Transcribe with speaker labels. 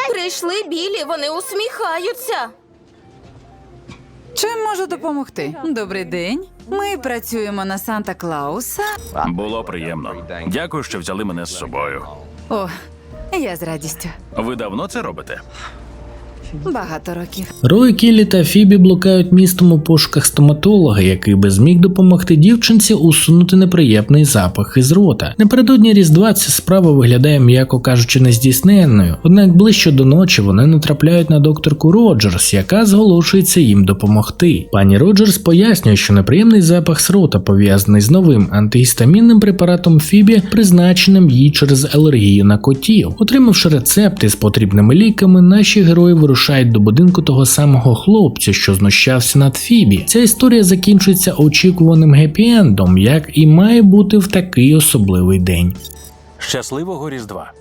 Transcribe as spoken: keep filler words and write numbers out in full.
Speaker 1: Прийшли білі, вони усміхаються.
Speaker 2: Чим можу допомогти? Добрий день. Ми працюємо на Санта-Клауса.
Speaker 3: Було приємно. Дякую, що взяли мене з собою.
Speaker 2: О, я з радістю.
Speaker 3: Ви давно це робите?
Speaker 2: Багато років.
Speaker 4: Рой, Келлі та Фібі блукають містом у пошуках стоматолога, який би зміг допомогти дівчинці усунути неприємний запах із рота. Напередодні Різдва ця справа виглядає, м'яко кажучи, нездійсненною. Однак ближче до ночі вони натрапляють на докторку Роджерс, яка зголошується їм допомогти. Пані Роджерс пояснює, що неприємний запах з рота пов'язаний з новим антигістамінним препаратом Фібі, призначеним їй через алергію на котів. Отримавши рецепти з потрібними ліками, наші герої вирушають до будинку того самого хлопця, що знущався над Фібі. Ця історія закінчується очікуваним геппі-ендом, як і має бути в такий особливий день.
Speaker 3: Щасливого Різдва!